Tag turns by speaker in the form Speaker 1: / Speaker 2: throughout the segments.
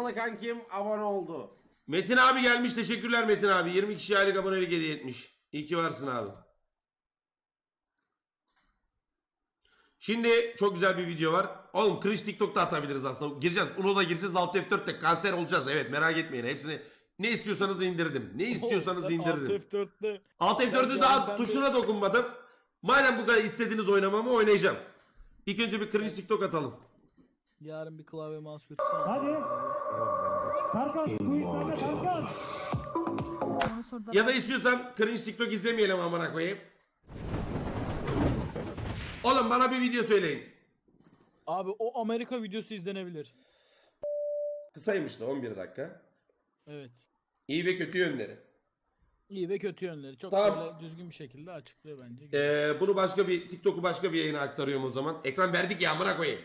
Speaker 1: Amerikalı kankim abone oldu.
Speaker 2: Metin abi gelmiş. Teşekkürler Metin abi. 20 kişi aylık abonelik hediye etmiş. İyi ki varsın abi. Şimdi çok güzel bir video var. Oğlum cringe TikTok'ta atabiliriz aslında. Gireceğiz. Uno'da gireceğiz. Alt F4'te kanser olacağız. Evet, merak etmeyin. Hepsini ne istiyorsanız indirdim. Ne istiyorsanız indirdim. Alt F4'ü daha tuşuna dokunmadım. Madem bu kadar istediğiniz oynamamı oynayacağım. İlk önce bir cringe TikTok atalım.
Speaker 3: Yarın bir klavye mouse götürsene.
Speaker 4: Hadi. Serkan. Bu işlerde Serkan.
Speaker 2: Ya da istiyorsan cringe TikTok izlemeyelim amına koyayım. Oğlum bana bir video söyleyin.
Speaker 3: Abi o Amerika videosu izlenebilir.
Speaker 2: Kısaymış da 11 dakika.
Speaker 3: Evet.
Speaker 2: İyi ve kötü yönleri.
Speaker 3: İyi ve kötü yönleri. Çok
Speaker 2: Tamam.
Speaker 3: böyle düzgün bir şekilde açıklıyor bence.
Speaker 2: Bunu başka bir TikTok'u başka bir yayına aktarıyorum o zaman. Ekran verdik ya amına koyayım.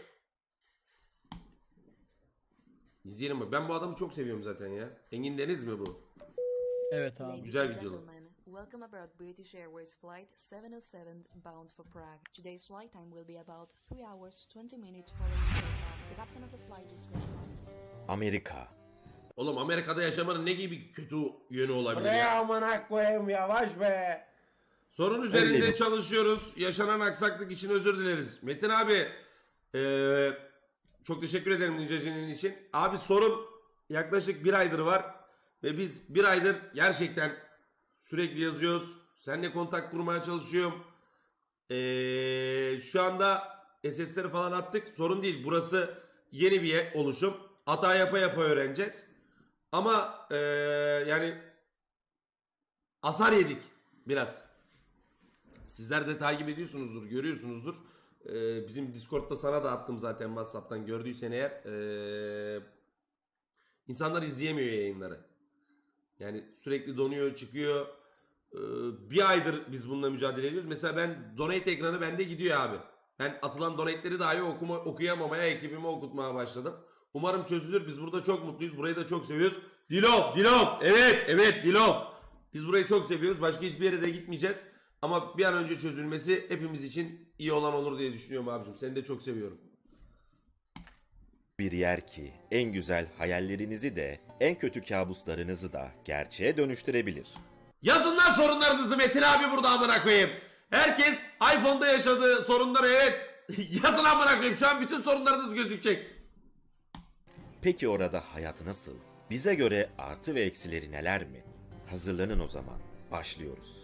Speaker 2: İzleyelim mi? Ben bu adamı çok seviyorum zaten ya. Engin Deniz mi bu?
Speaker 3: Evet abi.
Speaker 2: Güzel video.
Speaker 5: Welcome aboard British Airways Flight 707 bound for Prague. Today's flight time will be about 3 hours 20 minutes following takeoff. The captain of the flight is Chris Martin.
Speaker 6: Amerika.
Speaker 2: Oğlum Amerika'da yaşamanın ne gibi kötü yönü olabilir
Speaker 1: Buraya
Speaker 2: ya?
Speaker 1: amına koyayım yavaş be.
Speaker 2: Sorun üzerinde çalışıyoruz. Yaşanan aksaklık için özür dileriz. Metin abi çok teşekkür ederim Ninja'cının için. Abi sorun yaklaşık bir aydır var. Ve biz bir aydır gerçekten sürekli yazıyoruz. Seninle kontak kurmaya çalışıyorum. Şu anda SS'leri falan attık. Sorun değil. Burası yeni bir oluşum. Hata yapa yapa öğreneceğiz. Ama yani hasar yedik biraz. Sizler de takip ediyorsunuzdur, görüyorsunuzdur. Bizim Discord'da sana da attım zaten WhatsApp'tan gördüysen eğer. İnsanlar izleyemiyor yayınları. Yani sürekli donuyor, çıkıyor. Bir aydır biz bununla mücadele ediyoruz. Mesela ben donate ekranı bende gidiyor abi. Ben atılan donate'leri dahi okuyamamaya, ekibime okutmaya başladım. Umarım çözülür. Biz burada çok mutluyuz. Burayı da çok seviyoruz. Dilop. Evet Dilop. Biz burayı çok seviyoruz. Başka hiçbir yere de gitmeyeceğiz. Ama bir an önce çözülmesi hepimiz için iyi olan olur diye düşünüyorum abicim. Seni de çok seviyorum.
Speaker 6: Bir yer ki en güzel hayallerinizi de en kötü kabuslarınızı da gerçeğe dönüştürebilir.
Speaker 2: Yazın lan sorunlarınızı, Metin abi burada amına koyayım. Herkes iPhone'da yaşadığı sorunları evet. Yazın amına koyayım. Şu an bütün sorunlarınız gözükecek.
Speaker 6: Peki orada hayat nasıl? Bize göre artı ve eksileri neler mi? Hazırlanın o zaman. Başlıyoruz.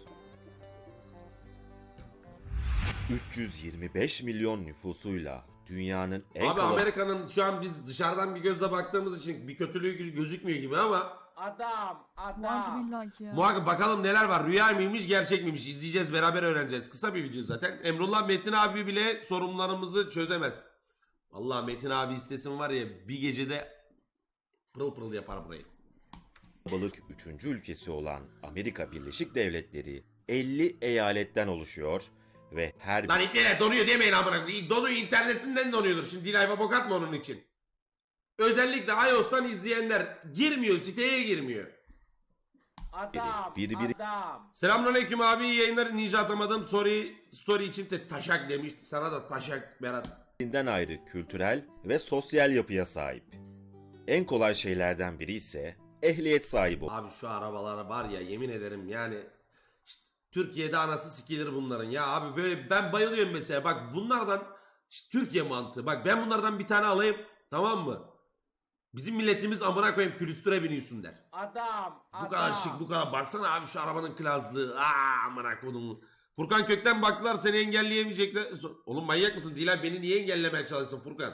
Speaker 6: 325 milyon nüfusuyla dünyanın en
Speaker 2: Abi Amerika'nın şu an biz dışarıdan bir gözle baktığımız için bir kötülüğü gözükmüyor gibi ama
Speaker 1: Adam.
Speaker 2: muhakkak bakalım neler var. Rüya mıymış, gerçek miymiş? İzleyeceğiz, beraber öğreneceğiz. Kısa bir video zaten. Emrullah Metin abi bile sorunlarımızı çözemez. Allah Metin abi istesin var ya bir gecede pırıl pırıl yapar burayı.
Speaker 6: kalabalık 3. ülkesi olan Amerika Birleşik Devletleri 50 eyaletten oluşuyor ve her
Speaker 2: Lan internet donuyor demeyin amına koyayım. Donuyor, internetinden donuyordur. Şimdi Dilay'a bok atma onun için. Özellikle iOS'tan izleyenler girmiyor, siteye girmiyor.
Speaker 1: Adam.
Speaker 6: Biri-
Speaker 1: Adam.
Speaker 2: Selamünaleyküm abi, iyi yayınlar. Ninja atamadım. Story için de taşak demiş. Sana da taşak Berat.
Speaker 6: birbirinden ayrı kültürel ve sosyal yapıya sahip. En kolay şeylerden biri ise ehliyet sahibi olmak.
Speaker 2: Abi şu arabalara var ya yemin ederim yani işte Türkiye'de anası sikilir bunların ya abi, böyle ben bayılıyorum mesela bak bunlardan işte Türkiye mantığı, bak ben bunlardan bir tane alayım tamam mı? Bizim milletimiz amına koyayım külüstüre biniyorsun der.
Speaker 1: Adam.
Speaker 2: Bu kadar şık, bu kadar baksana abi şu arabanın klaslığı. Amına koydum. Furkan Kökten baktılar seni engelleyemeyecekler. Oğlum manyak mısın? Dilay beni niye engellemeye çalışsın Furkan?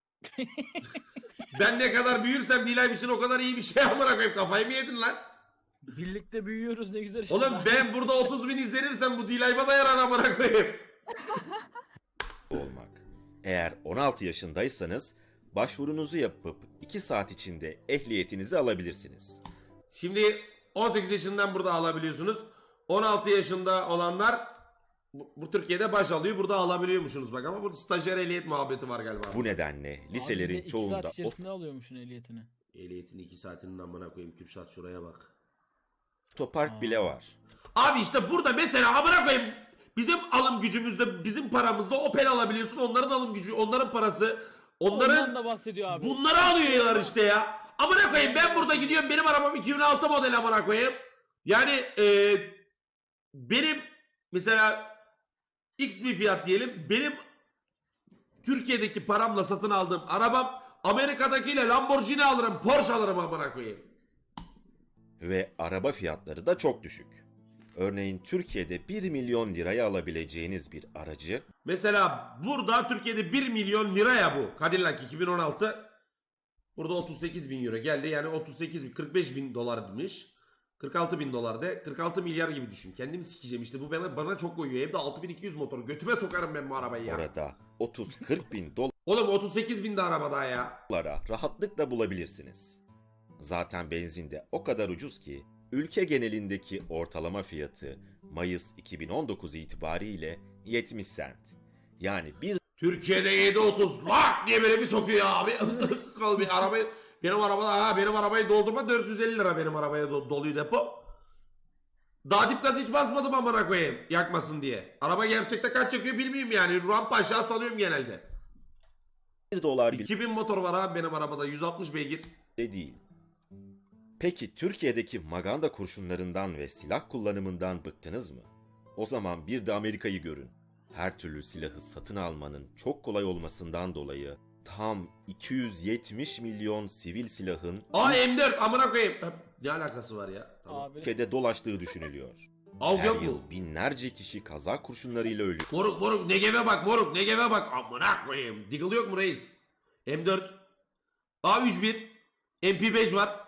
Speaker 2: Ben ne kadar büyürsem Dilay için o kadar iyi bir şey amına koyayım, kafayı mı yedin lan?
Speaker 3: Birlikte büyüyoruz ne güzel işte.
Speaker 2: Oğlum ben burada 30 bin izlenirsem bu Dilay'ıma da yarar amına koyayım.
Speaker 6: olmak. Eğer 16 yaşındaysanız başvurunuzu yapıp 2 saat içinde ehliyetinizi alabilirsiniz.
Speaker 2: Şimdi 18 yaşından burada alabiliyorsunuz. 16 yaşında olanlar bu Türkiye'de baş alıyor. Burada alabiliyormuşsunuz bak, ama burada stajyer ehliyet muhabbeti var galiba.
Speaker 6: Bu nedenle liselerin
Speaker 3: İki
Speaker 6: çoğunda
Speaker 3: saat içerisinde alıyormuşsun ehliyetini.
Speaker 2: Ehliyetin 2 saatinin amına koyayım. Kürşat şuraya bak.
Speaker 6: otopark bile var.
Speaker 2: Abi işte burada mesela amına koyayım bizim alım gücümüzde, bizim paramızda Opel alabiliyorsun. Onların alım gücü, onların parası,
Speaker 3: Ondan
Speaker 2: onların
Speaker 3: da bahsediyor abi.
Speaker 2: bunları alıyorlar işte ya. amına koyayım ben burada gidiyorum benim arabam 2006 model amına koyayım. Yani benim mesela X bir fiyat diyelim. Benim Türkiye'deki paramla satın aldığım arabam Amerika'dakiyle Lamborghini alırım, Porsche alırım amına koyayım.
Speaker 6: Ve araba fiyatları da çok düşük. Örneğin Türkiye'de 1 milyon liraya alabileceğiniz bir aracı
Speaker 2: Mesela burada Türkiye'de 1 milyon liraya bu. Cadillac 2016. Burada 38 bin euro geldi. Yani 38 bin, 45 bin dolarmış. 46 bin dolar de 46 milyar gibi düşün. Kendimi sikeceğim işte bu bana çok koyuyor. Hem de 6200 motor. Götüme sokarım ben bu arabayı ya.
Speaker 6: orada 30-40 bin
Speaker 2: Oğlum 38 bin de araba daha ya.
Speaker 6: dolara rahatlıkla bulabilirsiniz. Zaten benzin de o kadar ucuz ki ülke genelindeki ortalama fiyatı Mayıs 2019 itibariyle 70 sent. Yani bir
Speaker 2: Türkiye'de 7.30 lak diye böyle bir sokuyor abi. Kal bir arabayı benim arabayı doldurma 450 lira benim arabaya doluyor depo. Daha dip gaz hiç basmadım amına koyayım yakmasın diye. Araba gerçekte kaç yakıyor bilmiyorum yani. Rampa aşağı salıyorum genelde.
Speaker 6: dolar bile
Speaker 2: 2000 motor var abi benim arabada 160 beygir.
Speaker 6: değil. Peki Türkiye'deki maganda kurşunlarından ve silah kullanımından bıktınız mı? O zaman bir de Amerika'yı görün. Her türlü silahı satın almanın çok kolay olmasından dolayı tam 270 milyon sivil silahın
Speaker 2: Aa M4 amına koyayım. Ne alakası var ya? Tamam.
Speaker 3: Abi
Speaker 6: ülkede dolaştığı düşünülüyor.
Speaker 2: Av
Speaker 6: Her
Speaker 2: yok mu?
Speaker 6: yıl binlerce kişi kaza kurşunlarıyla ölüyor.
Speaker 2: Moruk Negev'e bak moruk Negev'e bak. Amına koyayım. Deagle yok mu reis? M4. A31. MP5 var.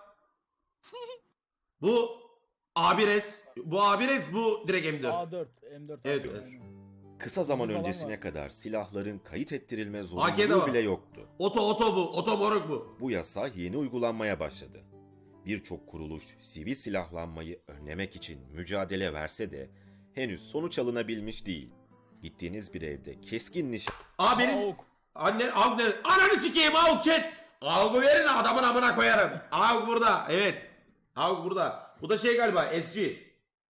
Speaker 2: Bu A1S. Bu A1S bu direkt M4.
Speaker 3: A4, M4.
Speaker 2: Evet,
Speaker 3: abi,
Speaker 2: evet.
Speaker 3: aynen.
Speaker 6: Kısa zaman
Speaker 3: Uzun falan
Speaker 6: öncesine
Speaker 3: var.
Speaker 6: kadar silahların kayıt ettirilme
Speaker 2: AK'de
Speaker 6: zorunluluğu
Speaker 2: var.
Speaker 6: bile yoktu.
Speaker 2: Oto bu. Oto moruk bu.
Speaker 6: Bu yasa yeni uygulanmaya başladı. Birçok kuruluş sivil silahlanmayı önlemek için mücadele verse de henüz sonuç alınabilmiş değil. Gittiğiniz bir evde keskin nişan
Speaker 2: Aa benim
Speaker 3: Avuk.
Speaker 2: Ananı sikeyim AUK chat. AUK'u verin adamın amına koyarım. AUK burada. Evet. AUK burada. Bu da şey galiba SG.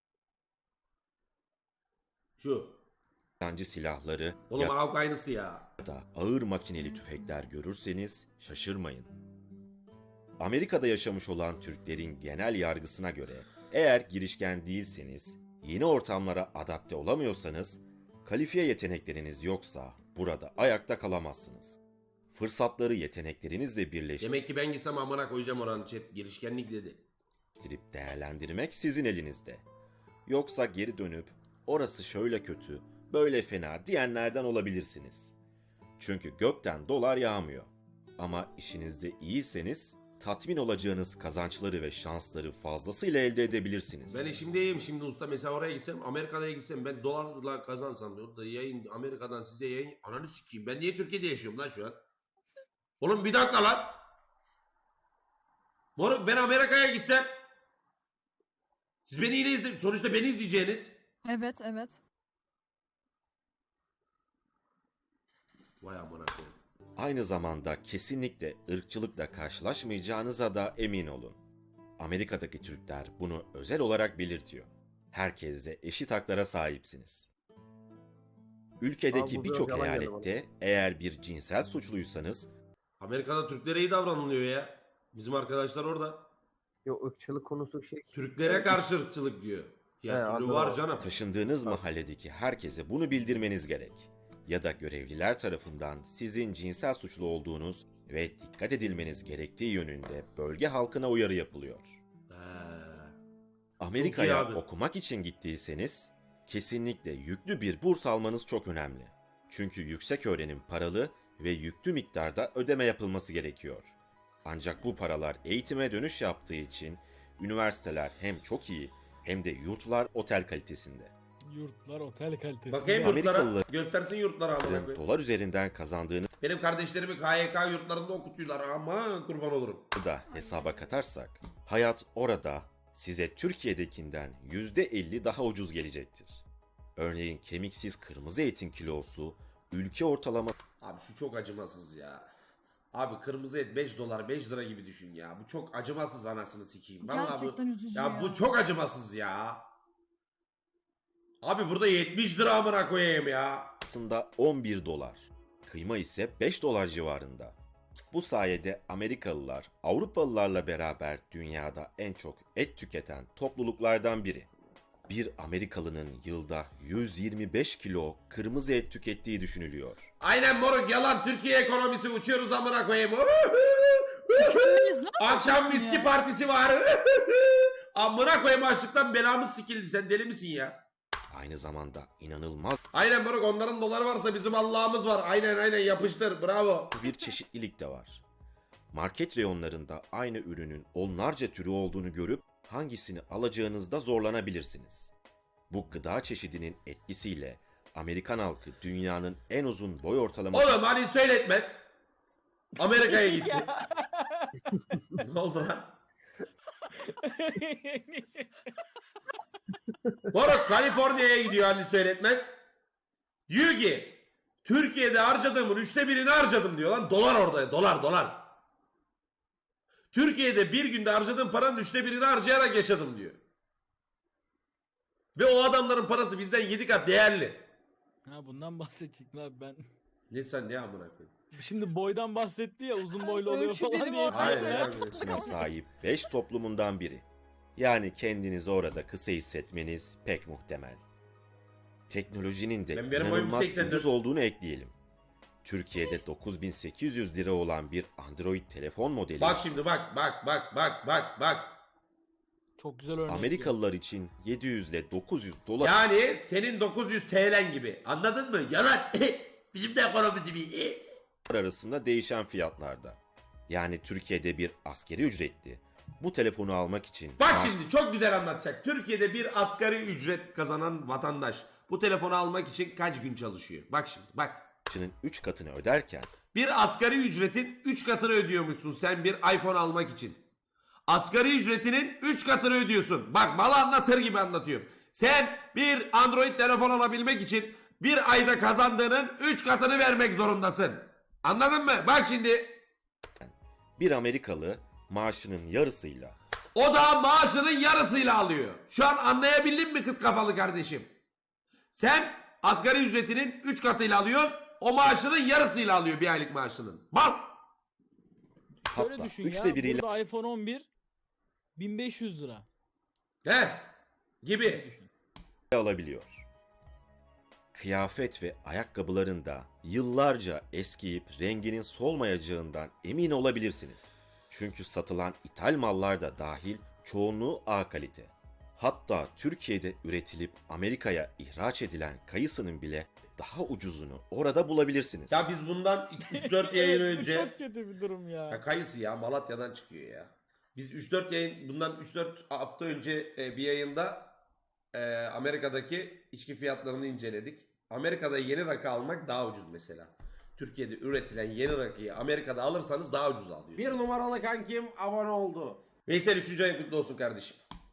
Speaker 2: Şu.
Speaker 6: nişancı silahları
Speaker 2: Oğlum AUK aynısı ya.
Speaker 6: ya da ağır makineli tüfekler görürseniz şaşırmayın. Amerika'da yaşamış olan Türklerin genel yargısına göre eğer girişken değilseniz, yeni ortamlara adapte olamıyorsanız, kalifiye yetenekleriniz yoksa burada ayakta kalamazsınız. Fırsatları yeteneklerinizle birleştirip
Speaker 2: Demek ki ben gitsem amına koyacağım oranı chat. Girişkenlik dedi.
Speaker 6: değerlendirmek sizin elinizde. Yoksa geri dönüp orası şöyle kötü, böyle fena diyenlerden olabilirsiniz. Çünkü gökten dolar yağmıyor. Ama işinizde iyiyseniz tatmin olacağınız kazançları ve şansları fazlasıyla elde edebilirsiniz.
Speaker 2: Ben işimdeyim şimdi usta. Mesela oraya gitsem Amerika'ya gitsem ben dolarla kazansam orada yayın Amerika'dan size yayın ananı sikeyim. Ben niye Türkiye'de yaşıyorum lan şu an? Oğlum bir dakika lan. Moruk ben Amerika'ya gitsem siz beni yine izle sonuçta beni izleyeceğiniz.
Speaker 7: Evet, evet.
Speaker 2: Vay amına koyayım.
Speaker 6: Aynı zamanda kesinlikle ırkçılıkla karşılaşmayacağınıza da emin olun. Amerika'daki Türkler bunu özel olarak belirtiyor. Herkesle eşit haklara sahipsiniz. Ülkedeki
Speaker 1: Abi bu
Speaker 6: birçok
Speaker 1: biraz yalan geldi
Speaker 6: eyalette eğer bir cinsel suçluysanız
Speaker 2: Amerika'da Türklere iyi davranılıyor ya. Bizim arkadaşlar orada.
Speaker 1: Yok ırkçılık konusu şey.
Speaker 2: Türklere karşı ırkçılık diyor.
Speaker 1: He,
Speaker 2: Ya türlü
Speaker 1: anladım.
Speaker 2: var canım.
Speaker 6: taşındığınız mahalledeki herkese bunu bildirmeniz gerek. Ya da görevliler tarafından sizin cinsel suçlu olduğunuz ve dikkat edilmeniz gerektiği yönünde bölge halkına uyarı yapılıyor.
Speaker 2: He.
Speaker 6: Amerika'ya
Speaker 2: abi.
Speaker 6: okumak için gittiyseniz kesinlikle yüklü bir burs almanız çok önemli. Çünkü yüksek öğrenim paralı ve yüklü miktarda ödeme yapılması gerekiyor. Ancak bu paralar eğitime dönüş yaptığı için üniversiteler hem çok iyi hem de yurtlar otel kalitesinde.
Speaker 3: Yurtlar otel kalitesi.
Speaker 2: Bakayım
Speaker 3: Ya.
Speaker 2: yurtlara.
Speaker 6: Amerikalılar-
Speaker 2: Göstersin yurtlara amına koyayım.
Speaker 6: Dolar üzerinden kazandığınız
Speaker 2: Benim kardeşlerimi KYK yurtlarında okutuyorlar ama kurban olurum.
Speaker 6: da hesaba katarsak hayat orada size Türkiye'dekinden %50 daha ucuz gelecektir. Örneğin kemiksiz kırmızı etin kilosu ülke ortalama
Speaker 2: Abi şu çok acımasız ya. Abi kırmızı et 5 dolar 5 lira gibi düşün ya. Bu çok acımasız anasını sikeyim. Vallahi
Speaker 7: Gerçekten üzücü
Speaker 2: ya.
Speaker 7: ya.
Speaker 2: Bu çok acımasız ya. Abi burada 70 lira amına koyayım ya.
Speaker 6: aslında 11 dolar. Kıyma ise 5 dolar civarında. Bu sayede Amerikalılar Avrupalılarla beraber dünyada en çok et tüketen topluluklardan biri. Bir Amerikalının yılda 125 kilo kırmızı et tükettiği düşünülüyor.
Speaker 2: Aynen moruk, yalan. Türkiye ekonomisi, uçuyoruz amına koyayım. Akşam viski partisi var. Amına koyayım, açlıktan belamız sikildi. Sen deli misin ya?
Speaker 6: Aynı zamanda inanılmaz
Speaker 2: Aynen moruk, onların doları varsa bizim Allah'ımız var. Aynen yapıştır, bravo.
Speaker 6: bir çeşitlilik de var. Market reyonlarında aynı ürünün onlarca türü olduğunu görüp hangisini alacağınızda zorlanabilirsiniz. Bu gıda çeşidinin etkisiyle Amerikan halkı dünyanın en uzun boy ortalaması
Speaker 2: Oğlum hani söyletmez. Amerika'ya gitti. Ne oldu lan? Moruk Kaliforniya'ya gidiyor hani söyletmez. Diyor ki Türkiye'de harcadığımın 1/3'ünü harcadım diyor lan. Dolar orada, dolar. Türkiye'de bir günde harcadığım paranın 1/3'ünü harcayarak yaşadım diyor. Ve o adamların parası bizden 7 kat değerli.
Speaker 3: Ha bundan bahsedecektim abi ben.
Speaker 2: Ne sen ne amına koyayım?
Speaker 3: Şimdi boydan bahsetti ya, uzun boylu oluyor
Speaker 7: Ölçü
Speaker 3: falan
Speaker 7: birimi
Speaker 3: diye.
Speaker 7: ortaya
Speaker 2: Aynen.
Speaker 7: koyuyor.
Speaker 6: sahip 5 toplumundan biri. Yani kendinizi orada kısa hissetmeniz pek muhtemel. Teknolojinin de
Speaker 2: Ben benim boyum
Speaker 6: inanılmaz
Speaker 2: 84.
Speaker 6: ucuz olduğunu ekleyelim. Türkiye'de 9.800 lira olan bir Android telefon modeli
Speaker 2: Bak şimdi bak.
Speaker 3: Çok güzel örnek.
Speaker 6: Amerikalılar için 700 ile 900 dolar
Speaker 2: Yani senin 900 TL'n gibi. Anladın mı? Yalan. Bizim de ekonomisi bir.
Speaker 6: arasında değişen fiyatlarda. Yani Türkiye'de bir askeri ücretli bu telefonu almak için
Speaker 2: Bak şimdi çok güzel anlatacak. Türkiye'de bir asgari ücret kazanan vatandaş bu telefonu almak için kaç gün çalışıyor? Bak şimdi bak.
Speaker 6: maaşının 3 katını öderken
Speaker 2: Bir asgari ücretin 3 katını ödüyormuşsun sen bir iPhone almak için. Asgari ücretinin 3 katını ödüyorsun. Bak malı anlatır gibi anlatıyorum. Sen bir Android telefon alabilmek için bir ayda kazandığının 3 katını vermek zorundasın. Anladın mı? Bak şimdi.
Speaker 6: bir Amerikalı maaşının yarısıyla
Speaker 2: O da maaşının yarısıyla alıyor. Şu an anlayabildin mi kıt kafalı kardeşim? Sen asgari ücretinin 3 katıyla alıyorsun. O maaşının yarısıyla alıyor bir aylık maaşının. Bak.
Speaker 3: Şöyle
Speaker 6: hatta
Speaker 3: düşün
Speaker 6: 3'te
Speaker 3: ya,
Speaker 6: biriyle
Speaker 3: burada iPhone 11 1500 lira.
Speaker 2: He. Gibi.
Speaker 3: Düşün.
Speaker 6: alabiliyor. Kıyafet ve ayakkabıların da yıllarca eskiyip renginin solmayacağından emin olabilirsiniz. Çünkü satılan ithal mallar da dahil çoğunluğu A kalite. Hatta Türkiye'de üretilip Amerika'ya ihraç edilen kayısının bile daha ucuzunu orada bulabilirsiniz.
Speaker 2: Ya biz bundan 3-4 yayın
Speaker 3: Evet, bu
Speaker 2: önce...
Speaker 3: çok kötü bir durum ya.
Speaker 2: Ya kayısı ya Malatya'dan çıkıyor ya. Biz 3-4 yayın bundan 3-4 hafta önce bir yayında Amerika'daki içki fiyatlarını inceledik. Amerika'da yeni rakı almak daha ucuz mesela. Türkiye'de üretilen yeni rakıyı Amerika'da alırsanız daha ucuz alıyorsunuz.
Speaker 1: Bir numaralı kankim abone oldu.
Speaker 2: Veysel 3. ayın kutlu olsun kardeşim.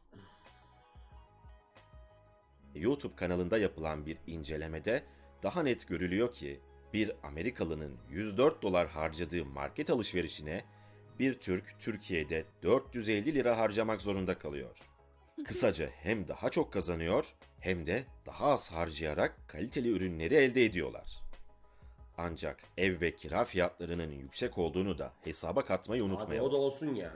Speaker 6: YouTube kanalında yapılan bir incelemede daha net görülüyor ki bir Amerikalının 104 dolar harcadığı market alışverişine bir Türk Türkiye'de 450 lira harcamak zorunda kalıyor. Kısaca hem daha çok kazanıyor hem de daha az harcayarak kaliteli ürünleri elde ediyorlar. Ancak ev ve kira fiyatlarının yüksek olduğunu da hesaba katmayı
Speaker 2: Abi
Speaker 6: unutmayalım.
Speaker 2: o da olsun ya.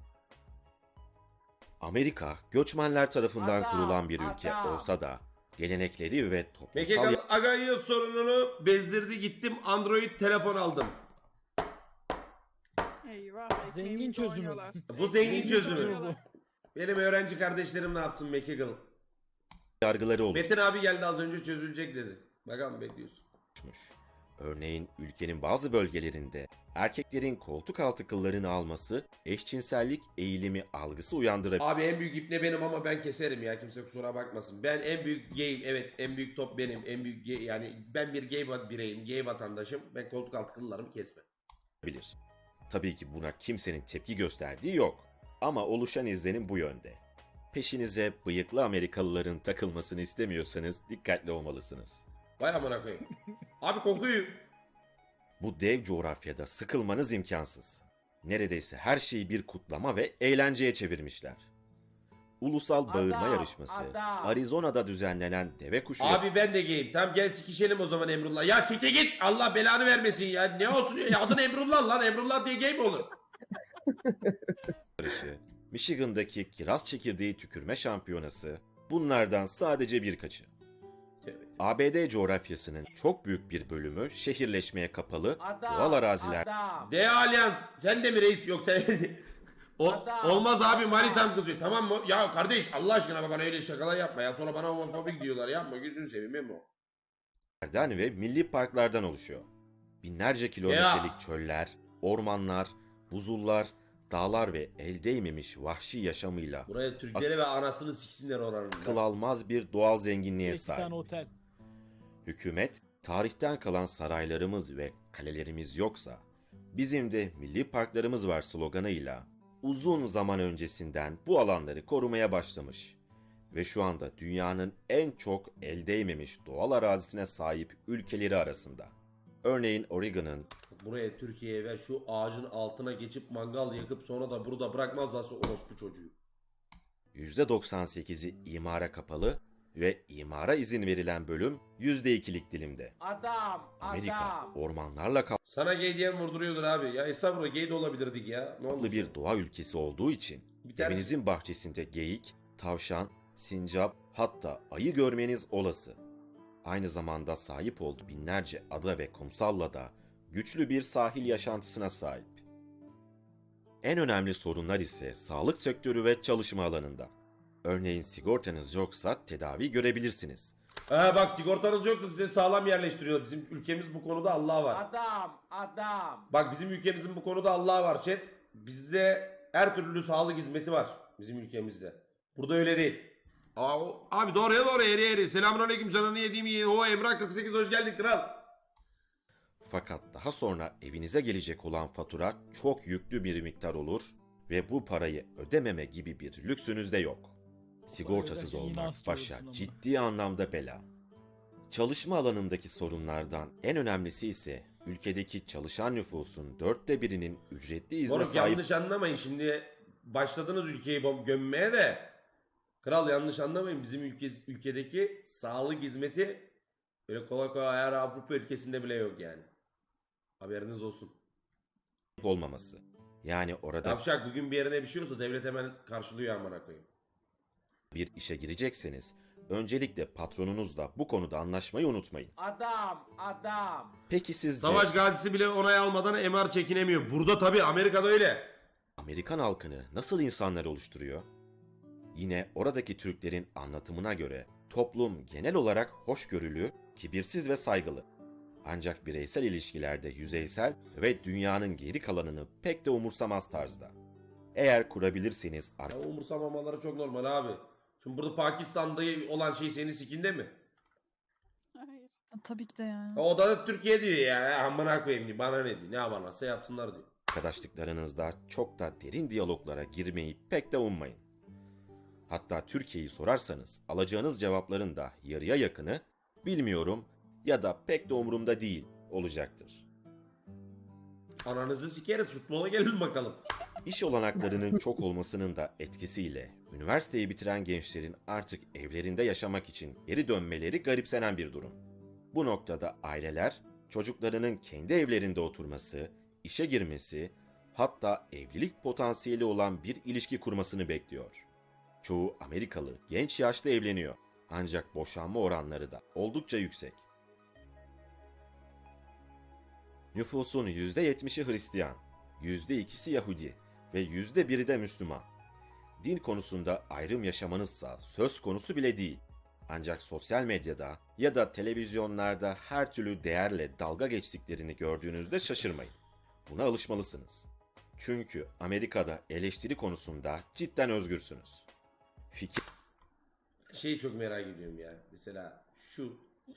Speaker 6: Amerika göçmenler tarafından
Speaker 1: Adam,
Speaker 6: kurulan bir ülke
Speaker 1: adam.
Speaker 6: olsa da gelenekleri ve toplumsal
Speaker 2: Mekekal Agayio sorununu bezdirdi, gittim Android telefon aldım.
Speaker 7: Eyvah.
Speaker 3: Zengin
Speaker 7: ekmeğimizi
Speaker 3: çözümü.
Speaker 7: oynuyorlar.
Speaker 2: Bu zengin çözümü.
Speaker 3: çözümü.
Speaker 2: Benim öğrenci kardeşlerim ne yapsın Mekekal?
Speaker 6: yargıları
Speaker 2: Metin abi geldi az önce, çözülecek dedi. Bakalım bekliyorsun.
Speaker 6: oluşmuş. Örneğin ülkenin bazı bölgelerinde erkeklerin koltuk altı kıllarını alması eşcinsellik eğilimi algısı uyandırabilir.
Speaker 2: Abi en büyük ipne benim ama ben keserim ya, kimse kusura bakmasın. Ben en büyük gayim, evet en büyük top benim, en büyük gay, yani ben bir gay bireyim, gay vatandaşım. Ben koltuk altı kıllarımı kesmem.
Speaker 6: Tabii ki buna kimsenin tepki gösterdiği yok. Ama oluşan izlenim bu yönde. Peşinize bıyıklı Amerikalıların takılmasını istemiyorsanız dikkatli olmalısınız.
Speaker 2: Vay amına koyayım. Abi kokuyu.
Speaker 6: Bu dev coğrafyada sıkılmanız imkansız. Neredeyse her şeyi bir kutlama ve eğlenceye çevirmişler. ulusal bağırma
Speaker 1: Adam,
Speaker 6: yarışması,
Speaker 1: adam.
Speaker 6: Arizona'da düzenlenen deve kuşu
Speaker 2: Abi ben de gayim. Tamam gel sikişelim o zaman Emrullah. Ya siktir git. Allah belanı vermesin ya. Ne olsun ya. Adın Emrullah lan. Emrullah diye gay mi olur?
Speaker 6: yarışı, Michigan'daki kiraz çekirdeği tükürme şampiyonası, bunlardan sadece birkaçı. ABD coğrafyasının çok büyük bir bölümü şehirleşmeye kapalı, doğal araziler
Speaker 2: De Allianz. Sen de mi reis yoksa? Olmaz abi manitam kızıyor. Tamam mı? Ya kardeş Allah aşkına bana öyle şakalar yapma ya. Sonra bana homofobik diyorlar. Yapma gözünü seveyim Memo.
Speaker 6: ve milli parklardan oluşuyor. Binlerce kilometrelik çöller, ormanlar, buzullar, dağlar ve el değmemiş vahşi yaşamıyla
Speaker 2: Buraya Türkleri ve anasını siksinler oranın.
Speaker 6: akıl almaz bir doğal zenginliğe
Speaker 3: 2
Speaker 6: sahip.
Speaker 3: tane otel.
Speaker 6: Hükümet, tarihten kalan saraylarımız ve kalelerimiz yoksa, bizim de milli parklarımız var sloganıyla uzun zaman öncesinden bu alanları korumaya başlamış. Ve şu anda dünyanın en çok el değmemiş doğal arazisine sahip ülkeleri arasında. Örneğin Oregon'ın
Speaker 2: Buraya Türkiye'ye ve şu ağacın altına geçip mangal yakıp sonra da burada bırakmazlarsa orospu çocuğu.
Speaker 6: %98'i imara kapalı ve imara izin verilen bölüm %2'lik dilimde. Amerika ormanlarla
Speaker 2: Sana gay diyen vurduruyordur abi. Ya estağfurullah gay de olabilirdik ya. Ne oldu?
Speaker 6: kaplı bir doğa ülkesi olduğu için
Speaker 2: Bir tane-
Speaker 6: evinizin bahçesinde geyik, tavşan, sincap hatta ayı görmeniz olası. Aynı zamanda sahip olduğu binlerce ada ve kumsalla da güçlü bir sahil yaşantısına sahip. En önemli sorunlar ise sağlık sektörü ve çalışma alanında. Örneğin sigortanız yoksa tedavi görebilirsiniz.
Speaker 2: Bak sigortanız yoksa size sağlam yerleştiriyor. Bizim ülkemiz bu konuda Allah var.
Speaker 1: Adam.
Speaker 2: Bak bizim ülkemizin bu konuda Allah var chat. Bizde her türlü sağlık hizmeti var bizim ülkemizde. Burada öyle değil. Abi doğruya doğru eri eri. Selamünaleyküm canını yediğim iyi. O Emrah 48 hoş geldin kral.
Speaker 6: Fakat daha sonra evinize gelecek olan fatura çok yüklü bir miktar olur ve bu parayı ödememe gibi bir lüksünüz de yok. Sigortasız
Speaker 3: öderken yine
Speaker 6: olmak
Speaker 3: hasta
Speaker 6: başa
Speaker 3: olursun ama.
Speaker 6: ciddi anlamda bela. Çalışma alanındaki sorunlardan en önemlisi ise ülkedeki çalışan nüfusun 1/4'inin ücretli izne
Speaker 2: Moruk
Speaker 6: sahip
Speaker 2: yanlış anlamayın şimdi başladınız ülkeyi gömmeye de. Kral yanlış anlamayın bizim ülkedeki sağlık hizmeti böyle kolay kolay her Avrupa ülkesinde bile yok yani. Haberiniz olsun.
Speaker 6: olmaması. Yani orada
Speaker 2: Tavşak bugün bir yerine bir şey olsa devlet hemen karşılıyor amına koyayım.
Speaker 6: bir işe girecekseniz öncelikle patronunuzla bu konuda anlaşmayı unutmayın.
Speaker 1: Adam.
Speaker 6: Peki sizce
Speaker 2: Savaş gazisi bile onay almadan MR çekinemiyor. Burada tabii Amerika'da öyle.
Speaker 6: Amerikan halkını nasıl insanlar oluşturuyor? Yine oradaki Türklerin anlatımına göre toplum genel olarak hoşgörülü, kibirsiz ve saygılı. Ancak bireysel ilişkilerde yüzeysel ve dünyanın geri kalanını pek de umursamaz tarzda. Eğer kurabilirseniz
Speaker 2: Ya umursamamaları çok normal abi. Şimdi burada Pakistan'da olan şey senin sikinde mi?
Speaker 7: Hayır. Tabii ki de yani.
Speaker 2: O da Türkiye diyor ya. Amına koyayım diyor. Bana ne diyor. Ne yaparlarsa yapsınlar diyor.
Speaker 6: arkadaşlıklarınızda çok da derin diyaloglara girmeyi pek de ummayın. Hatta Türkiye'yi sorarsanız alacağınız cevapların da yarıya yakını bilmiyorum ya da pek de umurumda değil olacaktır.
Speaker 2: Ananızı sikeriz futbola gelin bakalım.
Speaker 6: İş olanaklarının çok olmasının da etkisiyle üniversiteyi bitiren gençlerin artık evlerinde yaşamak için geri dönmeleri garipsenen bir durum. Bu noktada aileler çocuklarının kendi evlerinde oturması, işe girmesi, hatta evlilik potansiyeli olan bir ilişki kurmasını bekliyor. Çoğu Amerikalı genç yaşta evleniyor ancak boşanma oranları da oldukça yüksek. Nüfusun %70'i Hristiyan, %2'si Yahudi ve %1'i de Müslüman. Din konusunda ayrım yaşamanızsa söz konusu bile değil. Ancak sosyal medyada ya da televizyonlarda her türlü değerle dalga geçtiklerini gördüğünüzde şaşırmayın. Buna alışmalısınız. Çünkü Amerika'da eleştiri konusunda cidden özgürsünüz. Fikir
Speaker 2: Şeyi çok merak ediyorum ya. Mesela şu.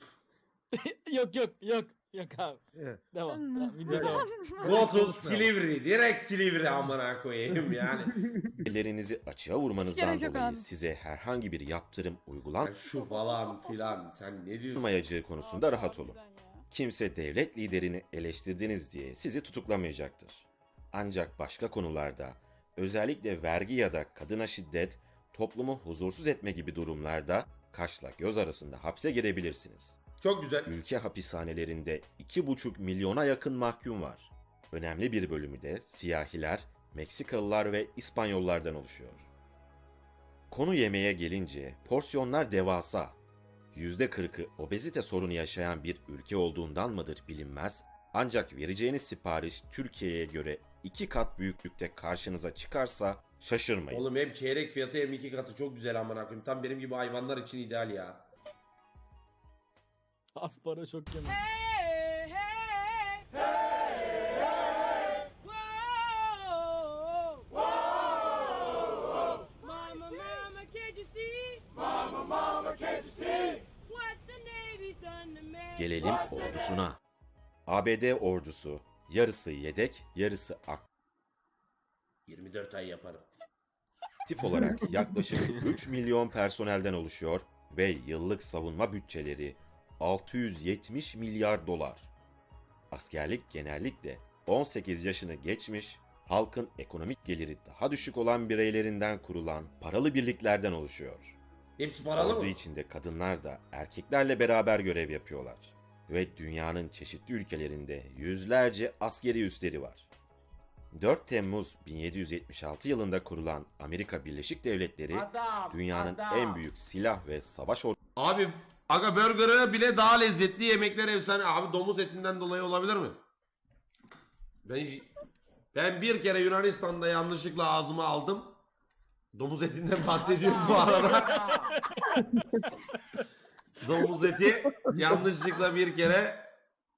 Speaker 3: Yok abi. Devam. Video devam.
Speaker 2: Go to Silivri. Direkt Silivri amına koyayım yani.
Speaker 6: fikirlerinizi açığa
Speaker 7: Hiç
Speaker 6: vurmanızdan
Speaker 7: gerek yok
Speaker 6: dolayı
Speaker 7: abi.
Speaker 6: size herhangi bir yaptırım
Speaker 2: Ya şu falan filan. Sen ne diyorsun?
Speaker 6: uygulanmayacağı konusunda rahat olun. Kimse devlet liderini eleştirdiniz diye sizi tutuklamayacaktır. Ancak başka konularda, özellikle vergi ya da kadına şiddet, toplumu huzursuz etme gibi durumlarda kaşla göz arasında hapse girebilirsiniz.
Speaker 2: Çok güzel.
Speaker 6: Ülke hapishanelerinde 2,5 milyona yakın mahkum var. Önemli bir bölümü de siyahiler, Meksikalılar ve İspanyollardan oluşuyor. Konu yemeğe gelince porsiyonlar devasa. %40'ı obezite sorunu yaşayan bir ülke olduğundan mıdır bilinmez, ancak vereceğiniz sipariş Türkiye'ye göre 2 kat büyüklükte karşınıza çıkarsa şaşırmayın.
Speaker 2: Oğlum hem çeyrek fiyatı hem 2 katı çok güzel amına koyayım. Tam benim gibi hayvanlar için ideal ya.
Speaker 3: Az para çok yemek.
Speaker 6: Gelelim ordusuna. ABD ordusu yarısı yedek, yarısı
Speaker 2: 24 ay yaparım.
Speaker 6: aktif olarak yaklaşık 3 milyon personelden oluşuyor ve yıllık savunma bütçeleri 670 milyar dolar. Askerlik genellikle 18 yaşını geçmiş, halkın ekonomik geliri daha düşük olan bireylerinden kurulan paralı birliklerden oluşuyor.
Speaker 2: Hepsi paralı
Speaker 6: Ordu
Speaker 2: mı?
Speaker 6: içinde kadınlar da erkeklerle beraber görev yapıyorlar. Ve dünyanın çeşitli ülkelerinde yüzlerce askeri üsleri var. 4 Temmuz 1776 yılında kurulan Amerika Birleşik Devletleri,
Speaker 1: Adam.
Speaker 6: dünyanın
Speaker 1: adam.
Speaker 6: en büyük silah ve savaş
Speaker 2: Abi aga burger'ı bile daha lezzetli, yemekler efsane. Abi domuz etinden dolayı olabilir mi? Ben bir kere Yunanistan'da yanlışlıkla ağzıma aldım. Domuz etinden bahsediyorum bu arada. Domuz eti yanlışlıkla bir kere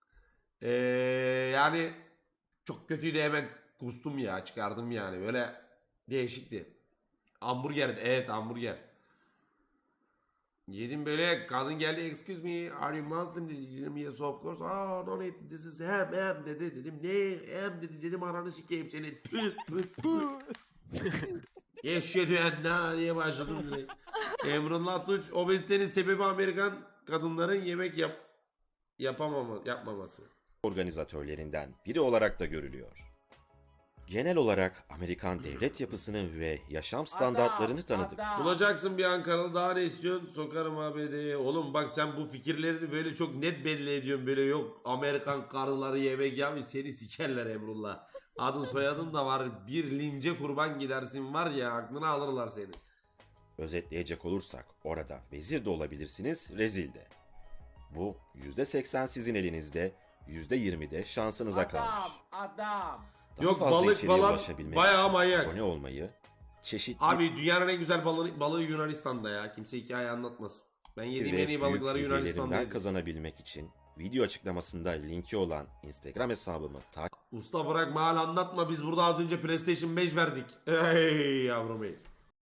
Speaker 2: yani çok kötüydü, hemen kustum ya, çıkardım yani, böyle değişikti. Hamburger, evet hamburger. Yedim böyle, kadın geldi, excuse me are you Muslim dedi, dedim yes of course, oh no need this is ham dedi, dedim ne ham dedi, dedim ananı sikeyim seni. Eşhedü ennâ diye başladım direkt. Emrullah Tunç, obezitenin sebebi Amerikan kadınların yemek yapmaması.
Speaker 6: organizatörlerinden biri olarak da görülüyor. Genel olarak Amerikan devlet yapısını ve yaşam standartlarını tanıdık.
Speaker 1: Adam.
Speaker 2: Bulacaksın bir Ankaralı, daha ne istiyorsun? Sokarım ABD'ye. Oğlum bak sen bu fikirlerini böyle çok net belli ediyorsun. Böyle yok Amerikan karıları yemek yapmış, seni sikerler Emrullah. Adın soyadın da var. Bir lince kurban gidersin var ya, aklını alırlar seni.
Speaker 6: Özetleyecek olursak orada vezir de olabilirsiniz, rezil de. Bu %80 sizin elinizde, %20 de şansınıza kalmış.
Speaker 1: Adam.
Speaker 6: Daha
Speaker 2: Yok,
Speaker 6: fazla
Speaker 2: balık
Speaker 6: içeriğe
Speaker 2: falan
Speaker 6: ulaşabilmek
Speaker 2: bayağı
Speaker 6: için
Speaker 2: manyak.
Speaker 6: abone olmayı, çeşitli
Speaker 2: Abi dünyanın en güzel balığı Yunanistan'da ya. Kimse hikaye anlatmasın. Ben yediğim
Speaker 6: ve
Speaker 2: en iyi balıkları
Speaker 6: büyük
Speaker 2: Yunanistan'da
Speaker 6: hediyelerinden
Speaker 2: yedim.
Speaker 6: kazanabilmek için video açıklamasında linki olan Instagram hesabımı takip
Speaker 2: Usta bırak mal anlatma, biz burada az önce PlayStation 5 verdik. Ey yavrum ey.